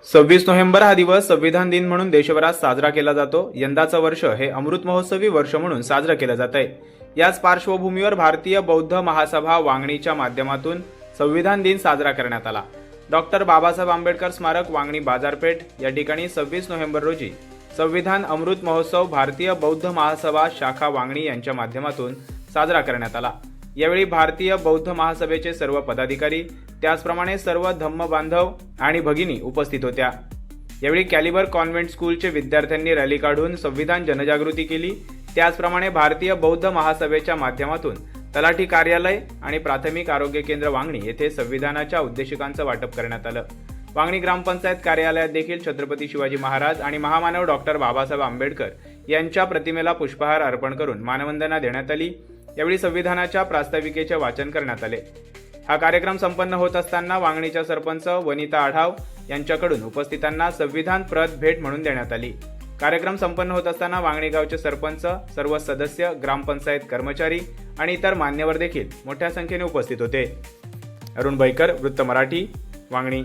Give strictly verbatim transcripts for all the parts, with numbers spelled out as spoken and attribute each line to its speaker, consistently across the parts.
Speaker 1: सव्वीस नोव्हेंबर हा दिवस संविधान दिन म्हणून देशभरात साजरा केला जातो। यंदाचं वर्ष हे अमृत महोत्सवी वर्ष म्हणून साजरं केलं जात आहे। याच पार्श्वभूमीवर भारतीय बौद्ध महासभा वांगणीच्या माध्यमातून संविधान दिन साजरा करण्यात आला। डॉक्टर बाबासाहेब आंबेडकर स्मारक वांगणी बाजारपेठ या ठिकाणी सव्वीस नोव्हेंबर रोजी संविधान अमृत महोत्सव भारतीय बौद्ध महासभा शाखा वांगणी यांच्या माध्यमातून साजरा करण्यात आला। यावेळी भारतीय बौद्ध महासभेचे सर्व पदाधिकारी, त्याचप्रमाणे सर्व धम्म बांधव आणि भगिनी उपस्थित होत्या। यावेळी कॅलिबर कॉन्व्हेंट स्कूलचे विद्यार्थ्यांनी रॅली काढून संविधान जनजागृती केली। त्याचप्रमाणे भारतीय बौद्ध महासभेच्या माध्यमातून तलाठी कार्यालय आणि प्राथमिक आरोग्य केंद्र वांगणी येथे संविधानाच्या उद्देशिकांचं वाटप करण्यात आलं। वांगणी ग्रामपंचायत कार्यालयात देखील छत्रपती शिवाजी महाराज आणि महामानव डॉक्टर बाबासाहेब आंबेडकर यांच्या प्रतिमेला पुष्पहार अर्पण करून मानवंदना देण्यात आली। यावेळी संविधानाच्या प्रास्ताविकेचे वाचन करण्यात आले। हा कार्यक्रम संपन्न होत असताना वांगणीच्या सरपंच वनिता आढाव यांच्याकडून उपस्थितांना संविधान प्रत भेट म्हणून देण्यात आली। कार्यक्रम संपन्न होत असताना वांगणी गावचे सरपंच, सर्व सदस्य, ग्रामपंचायत कर्मचारी आणि इतर मान्यवर देखील मोठ्या संख्येने उपस्थित होते। अरुण बैकर, वृत्त मराठी, वांगणी।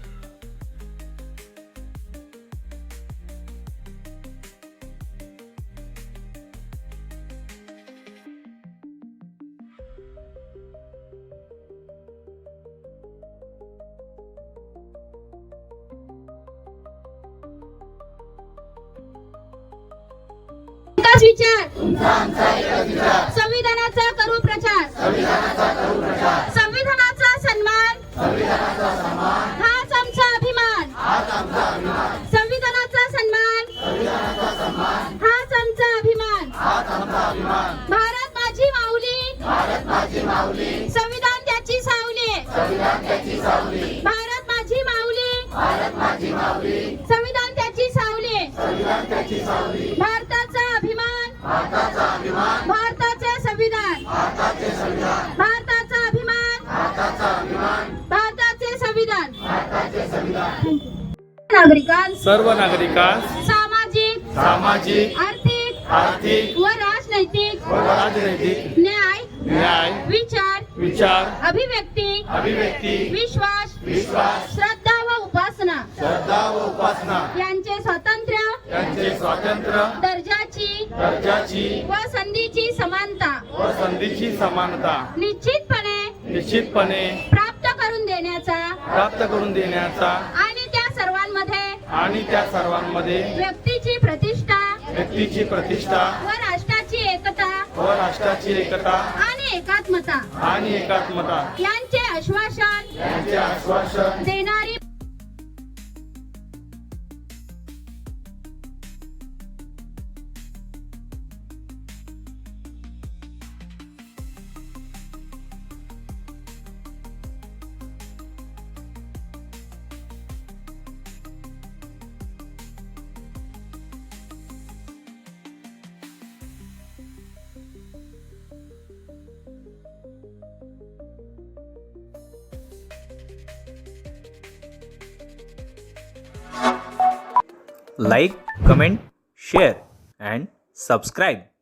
Speaker 2: विचार संविधानाचा करू प्रचार, संविधानाचा सन्मान हाच आमचा अभिमान, संविधानाचा सन्मान हाच आमचा अभिमान। भारत माझी माऊली, संविधान त्याची सावली, भारत माझी माऊली, संविधान त्याची सावली, भारताचा अभिमान, भारताचे संविधान, भारताचा अभिमान, भारताचे संविधान। नागरिकांस
Speaker 3: सर्व नागरिकांस
Speaker 2: सामाजिक
Speaker 3: सामाजिक
Speaker 2: आर्थिक
Speaker 3: आर्थिक
Speaker 2: व राजनैतिक
Speaker 3: व राजनैतिक
Speaker 2: न्याय
Speaker 3: न्याय
Speaker 2: विचार
Speaker 3: विचार
Speaker 2: अभिव्यक्ती
Speaker 3: अभिव्यक्ती
Speaker 2: विश्वास
Speaker 3: विश्वास
Speaker 2: श्रद्धा व उपासना
Speaker 3: श्रद्धा व उपासना
Speaker 2: यांचे स्वातंत्र्य
Speaker 3: यांचे स्वातंत्र्य
Speaker 2: दर्जाची
Speaker 3: दर्जाची
Speaker 2: व संधीची समानता
Speaker 3: व संधीची समानता
Speaker 2: निश्चितपणे
Speaker 3: निश्चितपणे
Speaker 2: प्राप्त करून देण्याचा
Speaker 3: प्राप्त करून देण्याचा
Speaker 2: आणि त्या सर्वांमध्ये
Speaker 3: आणि त्या सर्वांमध्ये
Speaker 2: व्यक्तीची प्रतिष्ठा
Speaker 3: व्यक्तीची प्रतिष्ठा
Speaker 2: व राष्ट्राची एकता
Speaker 3: व राष्ट्राची एकता
Speaker 2: आणि एकात्मता
Speaker 3: आणि एकात्मता
Speaker 2: यांचे आश्वासन
Speaker 3: यांचे आश्वासन
Speaker 2: देणारी
Speaker 1: Like, comment, share and subscribe.